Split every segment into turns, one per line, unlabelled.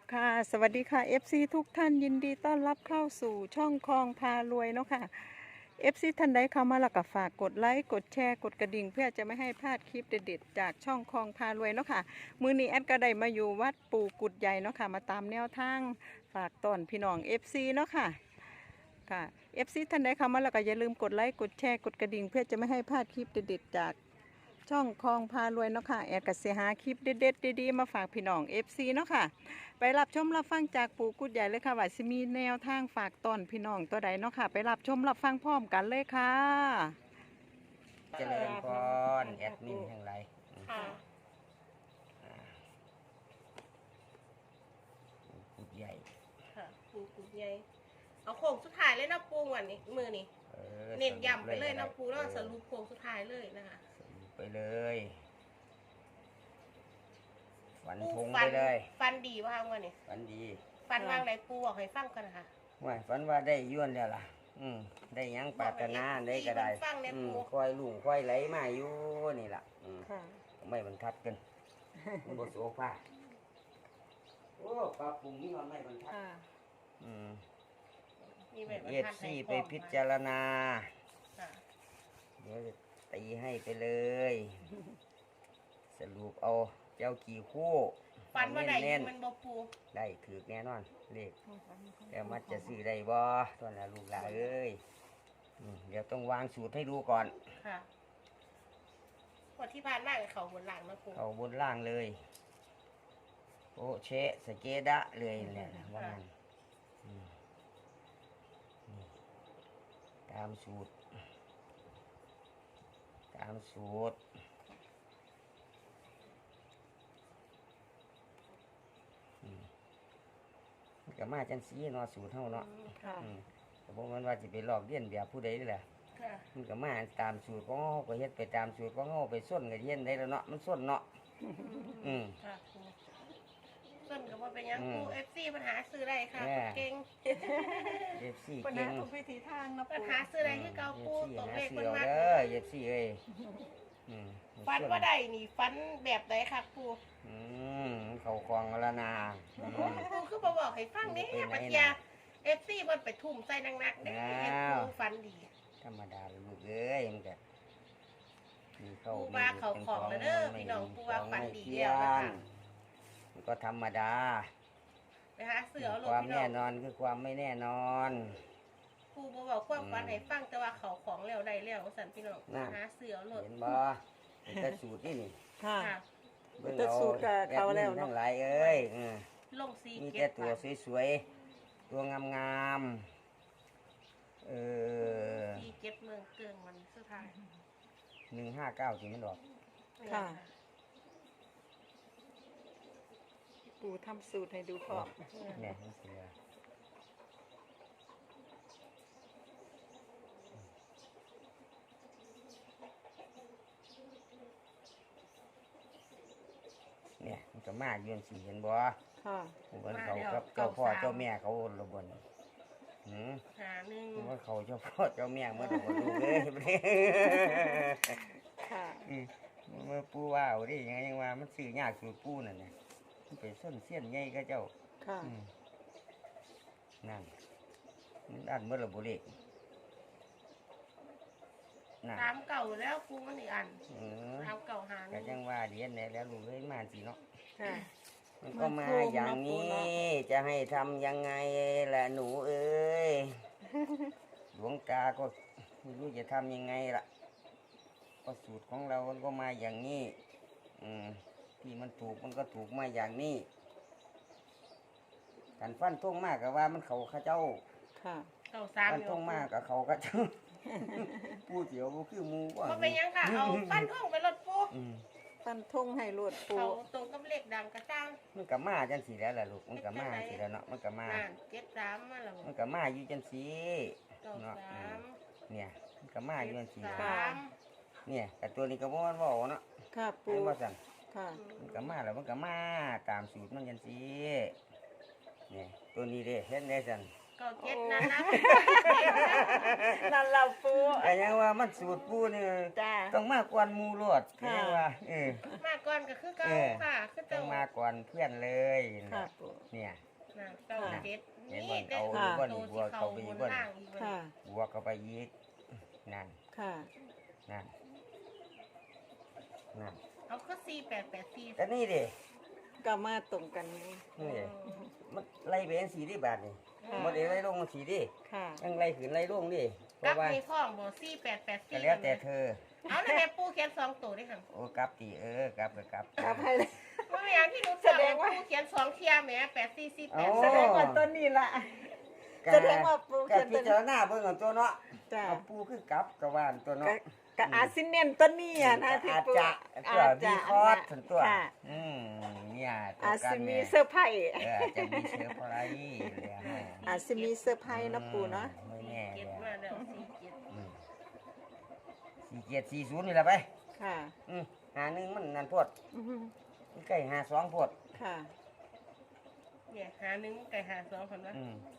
ค่ะสวัสดีค่ะ FC ทุกท่านยินดีต้อนรับเข้าสู่ช่องคลองพารวยเนาะค่ะ FC ท่านใดเข้ามาแล้วก็ฝากกดไลค์กดแชร์กดกระดิ่งเพื่อจะไม่ให้พลาดคลิปเด็ดๆจากช่องคลองพารวยเนาะค่ะมื้อนี้แอดก็ได้มาอยู่วัดปู่กุดใหญ่เนาะค่ะมาตามแนวทางฝากต้อนพี่น้อง FC เนาะค่ะค่ะ FC ท่านใดเข้ามาแล้วก็อย่าลืมกดไลค์กดแชร์กดกระดิ่งเพื่อจะไม่ให้พลาดคลิปเด็ดๆจากช่องคลองพารวยเนาะค่ะแอดก็สิหาคลิปเด็ดๆดีๆมาฝากพี่น้อง FC เนาะค่ะ ไปรับชมรับฟังจากปู่กุดใหญ่เลยค่ะว่าสิมีแนวทางฝากตอนพี่น้องตัวใดเนาะค่ะไปรับชมรับฟังพร้อมกันเลยค่ะ
เจริญพรแอดมินทั้งหลาย
ค่ะ
กุดใหญ่
ค่ะปูปูใหญ่เอาโค้งสุดท้ายเลยนะปูวันนี้มือนี่เน้นย้ำไปเลยนะปูแล้วสรุปโค้งสุดท้ายเลยนะคะ
สรุปไปเลยฝัน
ปู
ทงไปเลย
ฟันดีว่าวันนี้
ฝันดี
ฟันวางไหนปูบอกให้ฟังกันนะคะ
ว่าฝันว่าได้ย้วนแล้วล่ะได้หยังปรารถนาได้ก็ได้คอยลุงคอยไหลมาอยู่นี่ล่ะ
ค่ะ
ไม่บรรทัดกันมันบโสภาโอ้ปลาปุ่งนี่มันไม่บรรทัด
มีแบบ
เอฟซีไปพิจารณาเดี๋ยวจะตีให้ไปเลย สรุปเอาเจ้ากี่คู่
ฟันว่าไหนมันบ่ปู
ได้ถือแน่นอนเลขแต่มันจะซื้อได้บ่ตอนนั้นลูกหลานเอ้ยเดี๋ยวต้องวางสูตรให้ดูก่อน
ค่ะวันที่ผ่านมาเขาบนหลังนะปู
เขาบนล่างเลยโอ้เชะสเกดะเลยเนี่ยว่างั้นตามสูตรก็มาจังสีเนาะสูตรเท่าเนาะแต่พวกมันว่าจะไปลอกเลียนแบบผู้ใดนี่แหละมันก็มาตามสูตรของเขาก็เฮ็ดไปตามสูตรของเขาไปส้นกับเฮ็ดได้แล้วเนาะมันส้นเนาะ
ส้นกับว่าเป็นยังปูFC ปัญหาซื้อได้ค่ะเก่ง
FC
ปัญ
เก่
หาง ทุกวิธีทางนะ
ปัญหาซื้อได้ที่เกาปูตกเลขมันมาก
FC เอ้ย
ฟันว่าได้นี่ฟันแบบไหนค่ะปู
เขาคลองละนา
ปูคือบอกให้ฟังนี่ปัญญาFC มันไปทุ่มใส่นักๆเนี่ยปูฟันดี
ธรรมดาลูกเอ้ยมันก็มีเข้า
ปูว่าเขาของแล้วเด้อพี่น้องปูว่าฟันดีแล้วนะคะ
มันก็ธรรมดา
ไปหาเสือ
ความแน่นอนคือความไม่แน่นอน
ปูบอกความฟันให้ฟังแต่ว่าเขาของแล้วได้แล้วสันพี่น้องหาเสือหลด
เห็นบ่แต่สูตรนี่
ค่ะแต่สูตรกับเขาแล้ว
ทั้งหลายเอ้ย
ลงซี
มีแต่ตัวสวยๆตัวงาม
ซีเก็บเมืองเกิงมันสุดท้าย
159จริงมันดอก
ค่ะปู่ทำสูตรให้ดูพร้อม
เนี่ยมันเสือเนี่ยมันก็มายืนสีเห็นบ่
ค่ะ
เหมือนเขากับเจ้าพ่อเจ้าแม่เขาระบน
หาหนึ่ง
ว่าเขาเจ้าพ่อเจ้าแม่เมื่อดูเลย
ค่ะ
เมื่อปูว่าเอาดิยังว่ามันซื้อยากสูตรปูนั่นเนี่ยมันไปส้นเสี้ยนไงก็เจ้า
ค่ะ
นั่นมันอันเมื่อระบุเลข
ตามเก่าแล้วปูมันอีกอันตามเก่าหา
ก็ยังว่าเดียนเนี่ยแล้วลูกเอ้ยมาสิเนาะมันก็มาอย่างนี้จะให้ทำยังไงแหละหนูเอ้ยหลวงตาก็ไม่รู้จะทำยังไงล่ะก็สูตรของเราก็มาอย่างนี้ที่มันถูกมันก็ถูกมาอย่างนี้กันฟันท่งมากกับว่ามันเขาข้าเจ้าฟันท่งมากกับเขาข้าเจ้าปูเสียวคือมู
ว่าเป็นยังค่ะเอาฟันท่งไปรถปู
ฟันทงให้รวดปู
เขาตรงกับเหล็กดังกระจ้าง
มันกับมาจังสีแล้วล่ะลูกมันกับมาสีแล้วเนาะมันกับมา
73มาแล้ว
มันกับมาอยู่จังสีเนาะเนี่ยมันกับมาอยู่จังสีเนี่ยแต่ตัวนี้ก็บ่มันบอกเนาะ
ค่ะปู
ว่าสั่น
ค่ะ
มันกับมาแล้วมันกับมาตามสูตรมันจังสีเนี่ยตัวนี้เด้เห็นได้สั่น
เก้าเจ็ดนั่นนะ
นั่นเราปู
แต่ยังว่ามันสูตรปูนี่
จ้า
ต้องมากกว่าหมูโลด
ค่ะ
ยังว่า
มาก่อนก็คือเก้าค่ะคือ
ต้อ
เจ้าง
มาก่อนเพื่อนเลย
ค่ะปู
เนี่ย
น่ะเก้าเจ็ด
เห็น
นี่
บ่
ได้
เอา
ตัว
อีกบ่
ที่
เข้า
เขา
ไป
บ
อีก
น
บ่
ล่างอีกบ่
ค่ะ
บวกเข้าไปอีกนั่น
ค่ะ
นั่นนั่น
เอาก็4884
แต่นี่ดิ
ก็มาตรงกันนี่
นี่ดิมันไล่ไปเป็นสีที่บาทนี่
ค่ะ
หมดเองไล่ลงมันสีดิ
ค่ะ
ยังไล่ขึ้นไล่ลงดิเพ
กลั
ราะ
บ
ว่า
ในพ่องบ่
ก็
4884
แล้วแต่เธอ
เอาแล้วแม่ปูเขียน2ตัวด้วยค่ะ
โอ้กลับตีกลับก็กลับ
กลับให้เลย
ว่าแม่ที่รู้
แส
จัก
ดงว่า
ปูเขียน2เที่ยแหม่8448
แสดงว่าต้นนี้ล่ะ แสดงว่าปู
กั
เขียนตัวนี้
พิจารณาเบิ่งเอาตัวเนาะ
จ้า
เอาปูคือกลับกับว่านตัวเนาะ
ก็อาจสิเน้นต้นนี้อ่ะนะที่
อาจ
ปู
จะตัวมีคอร์สถึงตัว
ค่ะ
เนี่ยตัว
อาจ
กั
สิ
น
มี
เนี่ย
เซอร์ไพรส์
อาจจะมีเชื้อพลายเลยฮะ
อาจสิมีเซอร์ไพรส์นะปูเนาะ
ไม่แน่
เก็
เล
บ
ย
มาแล้ว
4740นี่แหละไป
ค่ะ
หาหนึ่งมันนั่นโพด
อือฮึ
ใกล้หาสองโพด
ค่ะ
47เนี่ยหาหนึ่งไก่หา2คนว่า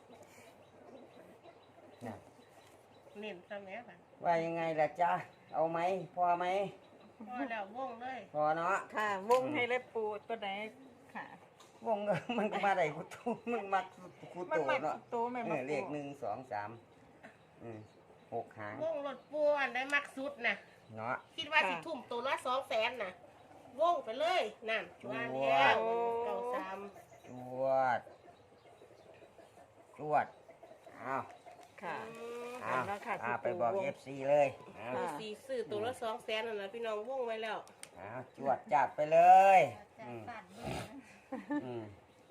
น่ะ
เน้นซะแม่ค่ะ
ว่ายังไงล่ะจ๊ะเอาไหมพอไหม
พอแล้ววงเลย
พอเนาะ
ค่ะ วงให้เลยปูตัวไหนค่ะ
วงก็มันก็มาได้กูตูมันมักกู
มัน
โต
มา
เนาะ
ตัวแม่มา
เล
ปู
ข1 2 3 6 หาง
วงรถปูอันได้มักสุดน่ะ
เนาะ
คิดว่าสิทุ่มตัวละ200,000น่ะวงไปเลยนั่นว่าแล้วเก้าสาม
จวดจวดเอา
ค่ะ
เอา
แล้วค่ะ
เอา
ที่
ไป
ปู
บอก
วง
FC เลยเอา
ค่ะ
สีซื้อตัวละ200,000นั่นน่ะพี่น้องวงไว้แล้ว
เอาจวดจัดไปเลยอืม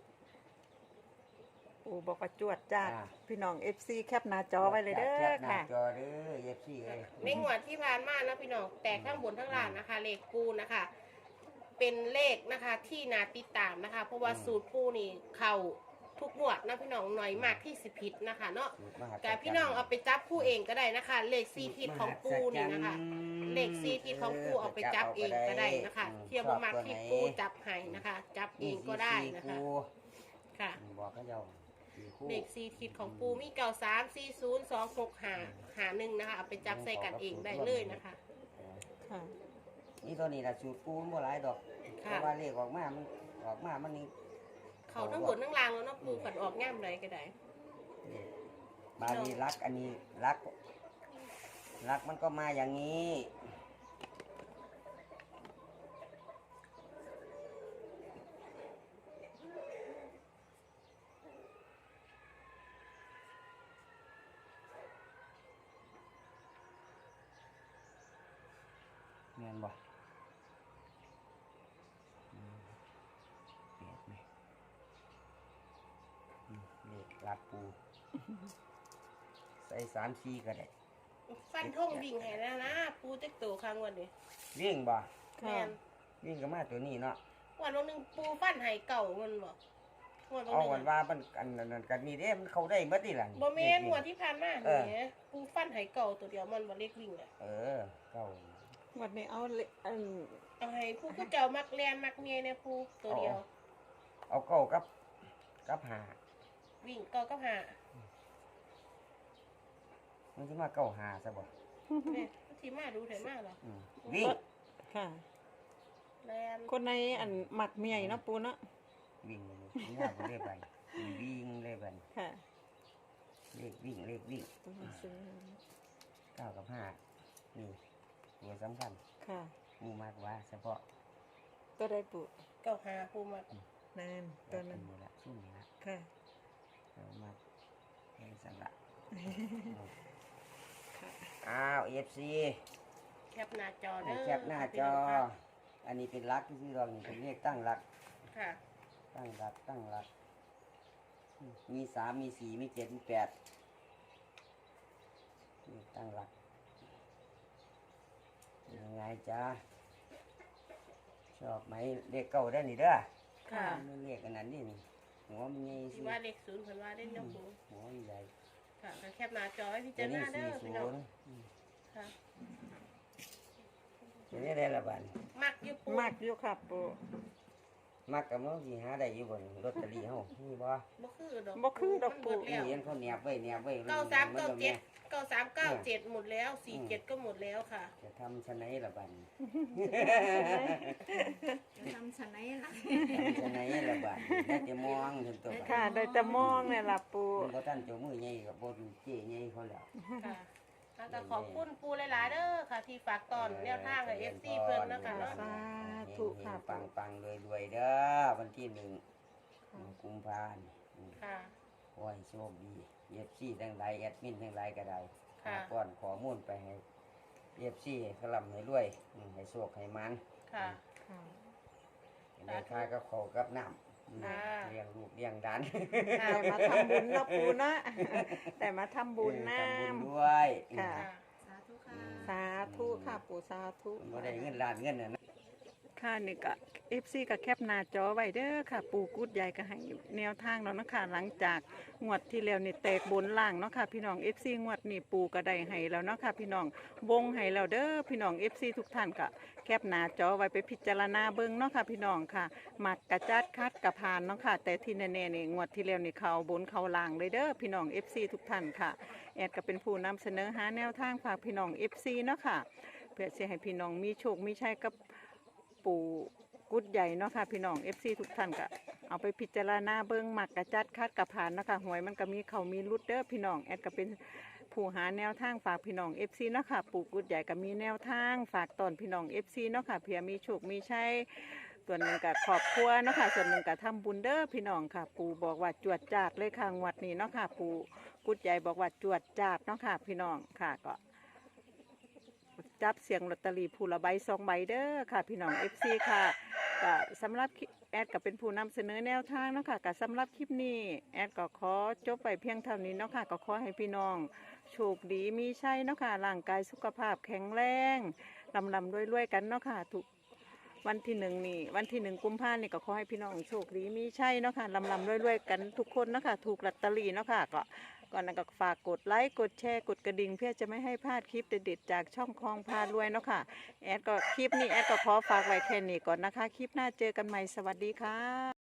ปูบอกว่าจวดจ้าด
อ่า
พี่น้อง FC แคปหน้าจอไว้เลยเด้
แค
อ
ปหน้า
ค่ะ
จอเด้อ FC เอ้ย
ในงวดที่ผ่านมานะพี่น้องแต่ข้างบนทั้งล่างนะคะ เลขปูนะคะ เป็นเลขนะคะที่นาติดตามนะคะ เพราะว่าสูตรปูนี่เข่าทุกงวดนะพี่น้องหน่อยมากที่สิผิดนะคะเนาะ
สูตรมหัศจรรย์
แต่พี่น้องเอาไปจับคู่เองก็ได้นะคะ เลขซีทิศของปูนี่นะคะ เลขซีทิศของปูเอาไปจับเองก็ได้นะคะเทียบมาที่ปูจับให้นะคะ จับเองก็ได้นะคะ
คู่
ค่ะ
บอกก็เจ้าสี่คู่
เลขซีทิศของปูมี934026หา1นะคะเอาไปจับใส่กันเองได้เลยนะคะ
ค่ะ
นี่ตัวนี้ละสูตรปูมันบ่หลายดอกเพ
ค่ะ
ราะว่าเลขออกมามันนี่
เขาทั้งบนทั้งล่างแล้วเนาะปูขันออกง่ามไรก็ได้
นี่บาลีรักอันนี้รักมันก็มาอย่างนี้แม่นบ่เปลี่ยนไหมเลขรักปู ใส่3-4ก็ได้
ฟันทงวิ่งให้แล้วนะปูเต็กโตครั้งวันนี้
วิ่งบ่
แม่น
วิ่งก็มาตัวนี้เนาะ
วันนึงปูฟันให้เก่ามันบอกวัน
เอา
นึ
วัน
ง
ว่ามันอันนั้นกันนี่เด้มันเข้าได้เบิดนี่ล่ะ
บ่แม่นงวดที่ผ่านมาเนี่ยปูฟันให้เก่าตัวเดียวมันบ่เล็กวิ่งอ่ะ
เข้า
วันนี้เอาเลอัน
เอาให้ปูก็เจ้ามักแลนมักเมียเนี่ยปูตัวเดียว
เอาเก้ากับหา
วิ่งเก่าก็หา
มันสิมาเก้าหาซะบ่
เนี่ยที่มาดูเถอะมาเหรอ
วิ่ง
ค่ะ
แลน
คนในอันหมักเมียเนาะปูเนาะ
วิ่งนี่ว่าบ่ได้ไปวิ่งเลยบัด
ค่ะ
เลขวิ่ง
ตัวหนังสือ
เก้ากับห้านี่ตัวสำคัญ
ค่ะ
มูมากว่าเฉพาะ
ตัวใดปู
เก่าหาปูมา
นั่นตัวนั้น
นี่ละซุ่มนี่ละ
ค่ะ
เอามาให้สันละ
ค่ะ
อ้าว FC
แคปหน้าจอเด้อ
แคปหน้าจอ อันนี้เป็นรักที่เรานี่เป็นเลขตั้งรัก
ค่ะ
ตั้งรัก มี3 มี 4 มี 7 มี 8นี่ตั้งรักยังไงจ๊ะชอบไหมเลขเก้าได้นี่เด้อ
ค่ะ
ไม่เลขอันนั้นนี่นี่หัวมันใหญ่
ที่ว่าเลขศูนย์เพิ่นว่าได้เนาะปู
หัวมันใหญ่
ค่ะก็แคปหน้าจอให้พิ
ตั
จาว ร
นี้
ณาเด้อพี่น้อง
40
ค่ะ
ตัวนี้ได้ละบาท
มักอยู่ปู
มากอยู่ค่ะปู
มักกับมันสิหาได้อยู่บนลอตเตอรี่เฮามีบ่
บ่คือดอก
บ่คือดอกปู
หมดแล้ว
เห็นเขาแนบไว้แนบไว้
9397 9397หมดแล้ว47ก็หมดแล้วค่ะ
จะทำชะไหนล่ะบัดนี้
ทำฉันไหนล่ะ
ทำชะไหนล่ะบัดนี้ได้แต่มองถึงตัวบัด
ค่ะได้แต่มองเนี่ยล่ะปู
มันบ่ทันเจ้ามือใหญ่ก็บ่ดูเจ๊ใหญ่เขาแล้ว
ค่ะก็ขอบคุณปูหลายๆเด้อค่ะ ที่ฝากตอนแนวทางให้ FC เพิ่นนะคะเนาะ
สาธุค่ะ
ปังปังรวยๆเด้อวันที่1กุมภาพันธ์
ค่ะ
ขอให้โชคดีเอฟซีทั้งหลายแอดมินทั้งหลายก็ได้
ค่ะ
ป้อนข้อมูลไปให้เอฟซีขลำให้รวยให้โชคให้มัน
ค่ะ
ค่ะ
ได้ค่ากับข้าวกับน้ำ
ค่ะ
เลี้ยงลูกเลี้ยงดาน
แต่มาทำบุญเนาะปูนะ แต่มาทำบุญน้
ทำบุญด้วย
ำค่ะ
ค่ะ
สาธุค่ะ
สาธุค่ะปูสาธุ
มันบ่ได้เงินล้านเงินน่ะนะ
ค่ะนี่ก็ FC ก็แคปหน้าจอไว้เด้อค่ะ ปูกุดใหญ่ก็ให้แนวทางแล้วเนาะค่ะหลังจากงวดที่แล้วนี่แตกบนล่างเนาะค่ะพี่น้อง FC งวดนี่ปูก็ได้ให้แล้วเนาะค่ะพี่น้องวงให้แล้วเด้อพี่น้อง FC ทุกท่านก็แคปหน้าจอไว้ไปพิจารณาเบิ่งเนาะค่ะพี่น้องค่ะมักกระจัดคัดกระพานเนาะค่ะแต่ที่แน่ๆนี่งวดที่แล้วนี่เขาบนเขาล่างเลยเด้อพี่น้อง FC ทุกท่านค่ะแอดก็เป็นผู้นำเสนอหาแนวทางฝากพี่น้อง FC เนาะค่ะเพื่อจะให้พี่น้องมีโชคมีชัยกับปูกุดใหญ่เนาะค่ะพี่น้อง FC ทุกท่านก็เอาไปพิจารณาเบิ่งมักกระจัดคัดกระพานเนาะค่ะหวยมันก็มีเขามีรุดเด้อพี่น้องแอดก็เป็นผู้หาแนวทางฝากพี่น้อง FC เนาะค่ะปูกุดใหญ่ก็มีแนวทางฝากตอนพี่น้อง FC เนาะค่ะเผื่อมีโชคมีชัยส่วนหนึ่งกับครอบครัวเนาะค่ะส่วนหนึ่งกับทำบุญเด้อพี่น้องค่ะ ปูบอกว่าจวดจาดเลยค่ะงวดนี้เนาะค่ะปูกุดใหญ่บอกว่าจวดจาดเนาะค่ะพี่น้องค่ะก็ จับเสียงลอตเตอรี่ผู้ละใบ2 ใบเด้อค่ะพี่น้อง FC ค่ะก็สำหรับแอดก็เป็นผู้นำเสนอแนวทางเนาะค่ะก็สำหรับคลิปนี้แอดก็ขอจบไปเพียงเท่านี้เนาะค่ะก็ขอให้พี่น้องโชคดีมีชัยเนาะค่ะร่างกายสุขภาพแข็งแรงลำรวยๆกันเนาะค่ะทุกวันที่1นี่วันที่1กุมภาพันธ์นี่ก็ขอให้พี่น้องโชคดีมีชัยเนาะค่ะลำรวยๆกันทุกคนเนาะค่ะถูกลอตเตอรี่เนาะค่ะก็ก่อนนั้นก็ฝากกดไลค์กดแชร์กดกระดิ่งเพื่อจะไม่ให้พลาดคลิปเด็ดๆจากช่องคลองพารวยเนาะค่ะแอดก็คลิปนี้แอดก็ขอฝากไว้แค่นี้ก่อนนะคะคลิปหน้าเจอกันใหม่สวัสดีค่ะ